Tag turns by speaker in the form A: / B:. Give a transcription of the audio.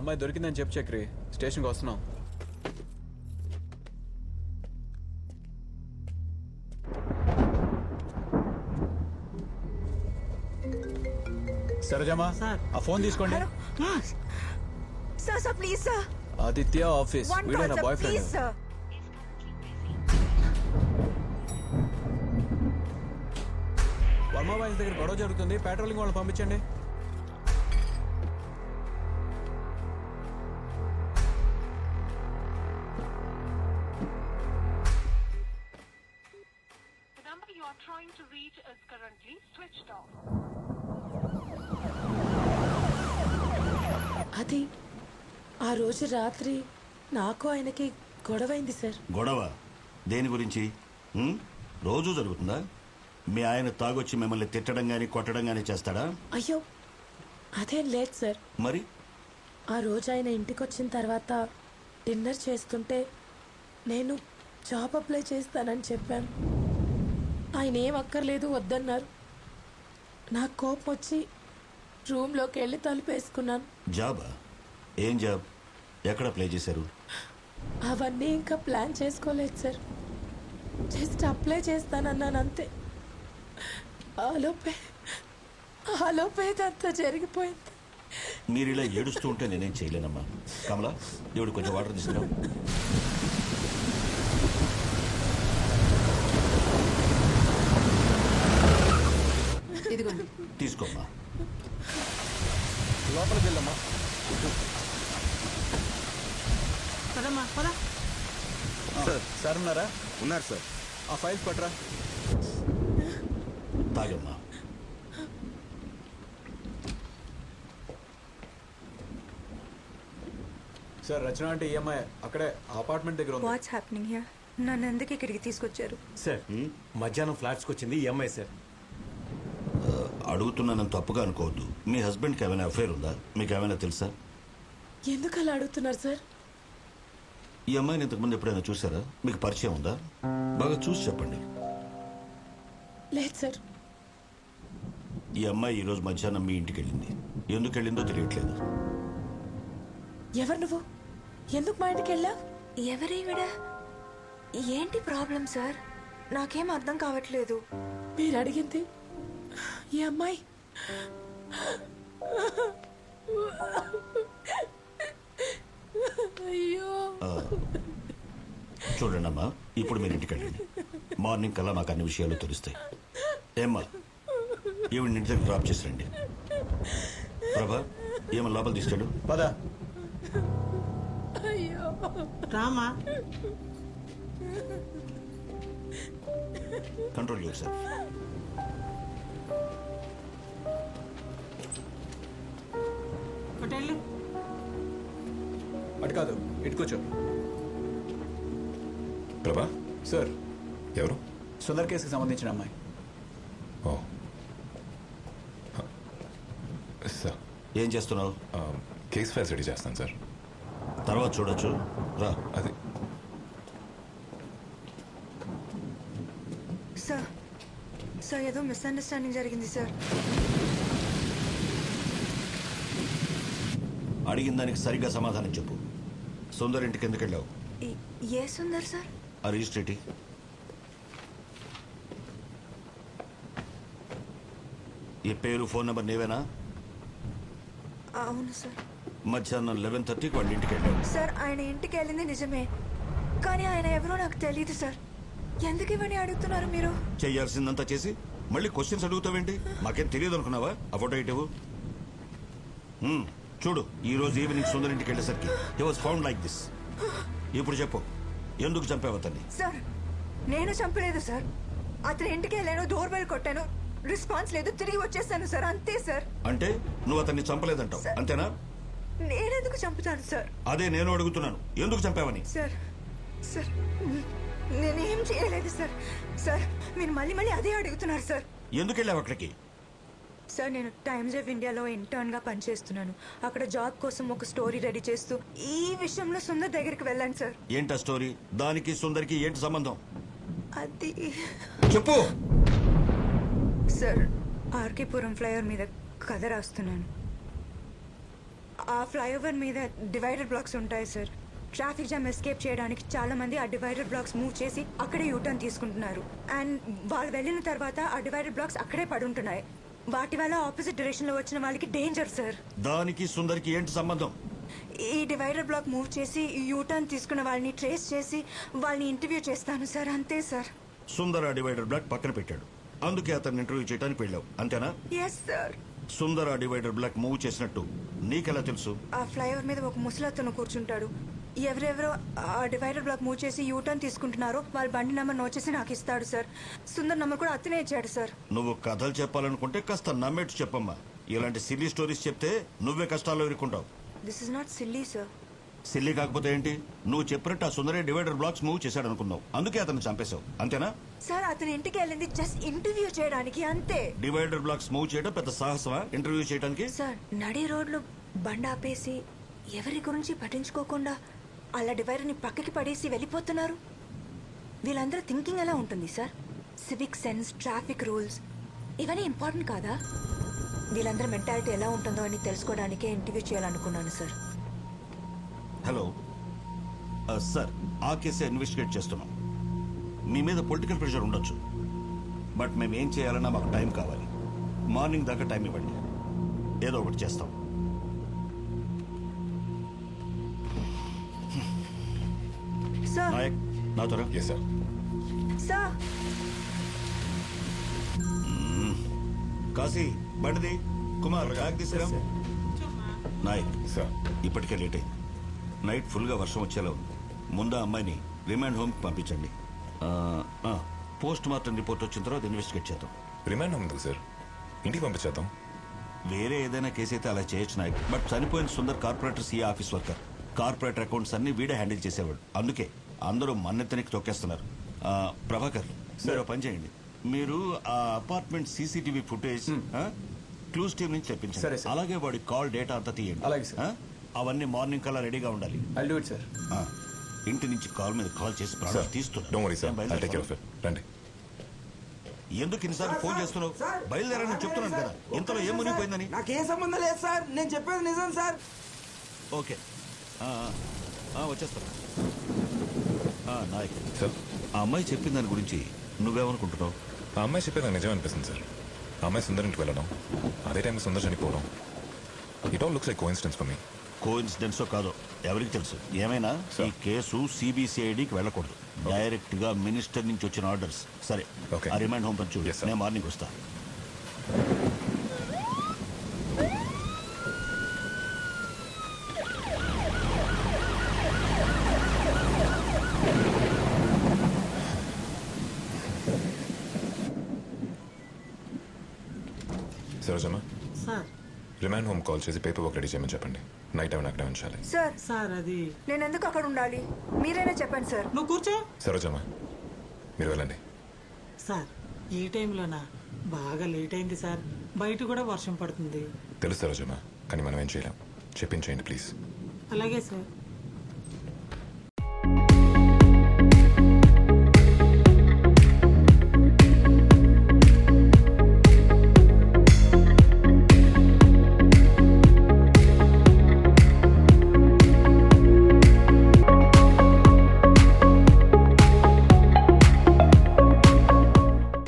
A: అమ్మాయి దొరికిందని చెప్పు చక్రి, స్టేషన్కి వస్తున్నాం. సరేజమ్మా, ఆ ఫోన్ తీసుకోండి.
B: Sir please sir.
A: Aditya office, వీడే నా బాయ్ ఫ్రెండ్. వర్మ బాయ్స్ దగ్గర గొడవ జరుగుతుంది, పెట్రోలింగ్ వాళ్ళని పంపించండి.
C: అది ఆ రోజు రాత్రి నాకు ఆయనకి గొడవైంది సార్.
D: గొడవ దేని గురించి? రోజు జరుగుతుందా? మీ ఆయన తాగొచ్చి మిమ్మల్ని తిట్టడం గాని కొట్టడం గాని చేస్తాడా?
C: అయ్యో అదేం లేదు సార్.
D: మరి
C: ఆ రోజు ఆయన ఇంటికి వచ్చిన తర్వాత డిన్నర్ చేస్తుంటే నేను జాబ్ అప్లై చేస్తానని చెప్పాను. ఆయన ఏం అక్కర్లేదు వద్దన్నారు. నాకు కోపం వచ్చి రూమ్లోకి వెళ్ళి తలుపేసుకున్నాను.
D: జాబా? ఏం జాబ్? ఎక్కడ అప్లై చేశారు?
C: అవన్నీ ఇంకా ప్లాన్ చేసుకోలేదు సార్. జస్ట్ అప్లై చేస్తానన్నాను అంతే. ఆలోపే అంతా జరిగిపోయింది.
D: మీరు ఇలా ఏడుస్తూ ఉంటే నేనేం చేయలేనమ్మా. కమలా, దేవుడు కొంచెం వాటర్ తీసుకురా. తీసుకోమ్మా.
A: లోపలికి వెళ్ళమ్మా. సార్ ఉన్నారా?
E: ఉన్నారు సార్.
A: ఆ ఫైల్స్ పట్టరా.
D: తాగమ్మా.
A: సార్ రచన అంటే ఈఎంఐ అక్కడే అపార్ట్మెంట్ దగ్గర ఉంది.
B: What's happening here? నన్ను ఎందుకు ఇక్కడికి తీసుకొచ్చారు?
E: సార్ మధ్యాహ్నం ఫ్లాట్స్కి వచ్చింది ఈఎంఐ సార్.
D: అడుగుతున్నానని తప్పుగా అనుకోవద్దు. మీ హస్బెండ్కి ఏమైనా అఫైర్ ఉందా? మీకు ఏమైనా తెలుసా?
C: ఎందుకు అలా అడుగుతున్నారు సార్?
D: ఈ అమ్మాయిని ఇంతకుముందు ఎప్పుడైనా చూసారా? మీకు పరిచయం ఉందా? బాగా చూసి చెప్పండి.
C: లేదు సార్.
D: ఈ అమ్మాయి ఈరోజు మధ్యాహ్నం మీ ఇంటికి వెళ్ళింది. ఎందుకు వెళ్ళిందో తెలియట్లేదు.
C: ఎవరు నువ్వు? ఎందుకు మా ఇంటికి వెళ్ళా?
B: ఎవరీవిడ? ఏంటి ప్రాబ్లం సార్? నాకేం అర్థం కావట్లేదు.
C: మీరు అడిగింది ఈ అమ్మాయి. అయ్యో.
D: చూడండి అమ్మా, ఇప్పుడు మీరు ఇంటికి వెళ్ళండి. మార్నింగ్ కల్లా మాకు అన్ని విషయాలు తెలుస్తాయి. ఏమ్మా, ఈవిడ ఇంటి దగ్గర డ్రాప్ చేసి రండి. ప్రభా, ఏమన్నా లోపల తీసుకెళ్ళు.
A: పదా.
C: అయ్యో
F: Rama.
D: Control yourself.
F: Hotel
A: అటు కాదు, ఇటు కూర్చో.
E: ప్రభా,
A: సార్,
E: ఎవరు?
A: సుందర్ కేసుకి సంబంధించిన అమ్మాయి.
E: ఓ సార్,
D: ఏం చేస్తున్నావు?
E: కేస్ ఫైల్స్ రెడీ చేస్తాను సార్.
D: తర్వాత చూడొచ్చు, రా.
E: అది
B: సార్ సార్ ఏదో మిస్అండర్స్టాండింగ్ జరిగింది సార్.
D: అడిగిన దానికి సరిగ్గా సమాధానం చెప్పు. సుందర్ ఇంటికి ఎందుకు వెళ్ళావు?
B: ఏ సుందర్ సార్?
D: ఆ రిజిస్ట్రేటి. ఈ పేరు ఫోన్ నెంబర్ నీవేనా?
B: అవును సార్.
D: మధ్యాహ్నం 11:30కి వాళ్ళ ఇంటికి వెళ్ళావు.
B: సార్ ఆయన ఇంటికి వెళ్ళింది నిజమే, కానీ ఆయన ఎవరో నాకు తెలియదు సార్. ఎందుకు ఇవన్నీ అడుగుతున్నారు మీరు?
D: చేయాల్సిందంతా చేసి మళ్ళీ క్వశ్చన్స్ అడుగుతావేంటి? మాకేం తెలియదు అనుకున్నావా? ఆ ఫోటో ఇటు చూడు. ఈ రోజు ఈవినింగ్ సుందర్ ఇంటికి వెళ్ళేసరికి he was found like this. ఇప్పుడు చెప్పు, ఎందుకు చంపావు అతన్ని?
B: సార్ నేను చంపలేదు సార్. అతని ఇంటికి వెళ్ళాను, డోర్ బెల్ కొట్టాను, రెస్పాన్స్ లేదు, తిరిగి వచ్చేసాను సార్, అంతే సార్.
D: అంటే నువ్వు అతన్ని చంపలేదంటావు, అంతేనా?
B: నేనెందుకు చంపుతాను సార్?
D: అదే నేను అడుగుతున్నాను, ఎందుకు చంపావని.
B: సార్ సార్ నేనేం చేయలేదు సార్. సార్ మీరు మళ్ళీ మళ్ళీ అదే అడుగుతున్నారు సార్.
D: ఎందుకు వెళ్ళావు అక్కడికి?
B: సార్ నేను టైమ్స్ ఆఫ్ ఇండియాలో ఇంటర్న్గా పనిచేస్తున్నాను. అక్కడ జాబ్ కోసం ఒక స్టోరీ రెడీ చేస్తూ ఈ విషయంలో సుందర్ దగ్గరికి వెళ్ళాను సార్.
D: ఏంటా స్టోరీ? దానికి సుందర్కి ఏంటి సంబంధం?
B: అది
D: చెప్పు.
B: సార్ ఆర్కేపురం ఫ్లైఓవర్ మీద కథ రాస్తున్నాను. ఆ ఫ్లైఓవర్ మీద డివైడర్ బ్లాక్స్ ఉంటాయి సార్. ట్రాఫిక్ జామ్ ఎస్కేప్ చేయడానికి చాలా మంది ఆ డివైడర్ బ్లాక్స్ మూవ్ చేసి అక్కడే యూటర్న్ తీసుకుంటున్నారు. అండ్ వాళ్ళు వెళ్ళిన తర్వాత ఆ డివైడర్ బ్లాక్స్ అక్కడే పడుంటున్నాయి. వాటి వల్ల ఆపోజిట్ డైరెక్షన్ లో వచ్చిన వాళ్ళకి డేంజర్ సార్.
D: దానికి సుందర్కి ఏంటి సంబంధం?
B: ఈ డివైడర్ బ్లాక్ మూవ్ చేసి యూటర్న్ తీసుకున్న వాళ్ళని ట్రేస్ చేసి వాళ్ళని ఇంటర్వ్యూ చేస్తాను సార్. అంతే సార్.
D: సుందర్ ఆ డివైడర్ బ్లాక్ పక్కన పెట్టాడు, అందుకే అతన్ని ఇంటర్వ్యూ చేయడానికి వెళ్ళావు, అంతేనా?
B: Yes sir.
D: సుందర్ ఆ డివైడర్ బ్లాక్ మూవ్ చేసినట్టు నీకెలా తెలుసు?
B: ఆ ఫ్లైఓవర్ మీద ఒక ముసలతను కూర్చుంటాడు. ఎవరెవరో ఆ డివైడర్ బ్లాక్ మూవ్ చేసి యూటర్న్ తీసుకుంటున్నారో వాళ్ళ బండి నెంబర్ నోట్ చేసి నాకు ఇస్తాడు సార్. సుందర్ నెంబర్ కూడా అతనే ఇచ్చాడు సార్.
D: నువ్వు కథలు చెప్పాలనుకుంటే కాస్త నమ్మేట్టు చెప్పమ్మా. ఇలాంటి సిల్లీ స్టోరీస్ చెప్తే నువ్వే కష్టాల్లో ఇరుక్కుంటావు.
B: This is not silly sir.
D: Silly కాకపోతే ఏంటి? నువ్వు చెప్పినట్టు ఆ సుందరే డివైడర్ బ్లాక్స్ మూవ్ చేశాడు అనుకున్నావు, అందుకే అతను చంపేశావు, అంతేనా?
B: సార్ అతని ఇంటికి వెళ్ళింది జస్ట్ ఇంటర్వ్యూ చేయడానికి, అంతే.
D: డివైడర్ బ్లాక్స్ మూవ్ చేయడం పెద్ద సాహసమా ఇంటర్వ్యూ చేయడానికి?
B: సార్ నడి రోడ్లో బండి ఆపేసి ఎవరి గురించి పట్టించుకోకుండా అలా డివైడర్ని పక్కకి పడేసి వెళ్ళిపోతున్నారు. వీళ్ళందరూ థింకింగ్ ఎలా ఉంటుంది sir? Civic sense, traffic rules ఇవన్నీ ఇంపార్టెంట్ కాదా? వీళ్ళందరూ మెంటాలిటీ ఎలా ఉంటుందో అని తెలుసుకోవడానికే ఇంటర్వ్యూ చేయాలనుకున్నాను సార్.
D: హలో సార్, ఆ కేసే ఇన్వెస్టిగేట్ చేస్తున్నాం. మీ మీద పొలిటికల్ ప్రెషర్ ఉండొచ్చు, బట్ మేము ఏం చేయాలన్నా మాకు టైం కావాలి. మార్నింగ్ దాకా టైం ఇవ్వండి, ఏదో ఒకటి చేస్తాం.
B: సార్
D: నాయక్, నా త్వర.
E: Yes sir.
B: సార్
D: కాశీ, బండిది. కుమార్, బ్యాగ్ తీసుకురా. నాయక్,
E: సార్.
D: ఇప్పటికే లేట్ అయింది. నైట్ ఫుల్గా వర్షం వచ్చేలా ఉంది. ముందు ఆ అమ్మాయిని రిమాండ్ హోమ్కి పంపించండి. పోస్ట్ మార్టం రిపోర్ట్ వచ్చిన తర్వాత ఇన్వెస్టిగేట్ చేద్దాం.
E: రిమాండ్ ఉంది సార్, ఇంటికి పంపించేద్దాం.
D: వేరే ఏదైనా కేసు అయితే అలా చేయొచ్చు నాయక్, బట్ చనిపోయిన Sundar corporator CA office worker. Corporator accounts అన్ని వీడే హ్యాండిల్ చేసేవాడు, అందుకే అందరూ మన్నెత్తనికి తొక్కేస్తున్నారు. ప్రభాకర్, మీరు ఓ పని చేయండి. మీరు ఆ apartment CCTV footage clues team నుంచి
A: సరే,
D: తెప్పించండి.
A: సార్.
D: అలాగే వాడి కాల్ డేటా అంతా తీయండి.
A: అలాగే, సార్.
D: అవన్నీ మార్నింగ్ కల్లా రెడీగా ఉండాలి.
A: I'll do it sir.
D: ఇంటి నుంచి కాల్ మీద కాల్ చేసి ప్రాణాలు
E: sir, don't worry sir, I'll take care of it. రండి.
D: ఎందుకు ఇన్నిసార్లు ఫోన్ చేస్తున్నావు? బయలుదేరని చెప్తున్నాను కదా, ఇంతలో ఏం మునిగిపోయిందని.
F: నాకేం సంబంధం లేదు సార్, నేను చెప్పేది నిజం సార్.
D: ఓకే, వచ్చేస్తాను. నాయక్
E: సార్,
D: ఆ అమ్మాయి చెప్పిన దాని గురించి నువ్వేమనుకుంటున్నావు?
E: ఆ అమ్మాయి చెప్పేది నాకు నిజం అనిపిస్తుంది సార్. ఆ అమ్మాయి సుందర్ ఇంటికి వెళ్ళడం, అదే టైంలో సుందర్ చనిపోవడం, it all looks like coincidence for me.
D: కోఇన్సిడెన్సో కాదో ఎవరికి తెలుసు. ఏమైనా ఈ కేసు సిబిసిఐడికి వెళ్ళకూడదు, డైరెక్ట్ గా మినిస్టర్ నుంచి వచ్చిన ఆర్డర్స్. సరే,
E: Okay.
D: ఆ రిమైండ్ హోమ్ పంచు.
E: Yes, sir.
D: నేను మార్నింగ్ వస్తా.
E: సరోజమ్మ,
G: సార్
E: రిమాండ్ హోమ్ కాల్ చేసి పేపర్ వర్క్ రెడీ చేయమని చెప్పండి. నైట్ టైం అక్కడే ఉంచాలి.
B: సార్
G: సార్ అది
B: నేను ఎందుకు అక్కడ ఉండాలి? మీరైనా చెప్పండి సార్.
G: నువ్వు కూర్చో.
E: సరోజమ్మ, మీరు వెళ్ళండి.
G: సార్ ఈ టైంలోనా? బాగా లేట్ అయింది సార్, బయట కూడా వర్షం పడుతుంది.
E: తెలుసు సరోజమ్మ, కానీ మనం ఏం చేయలేం. చెప్పించేయండి ప్లీజ్.
G: అలాగే సార్.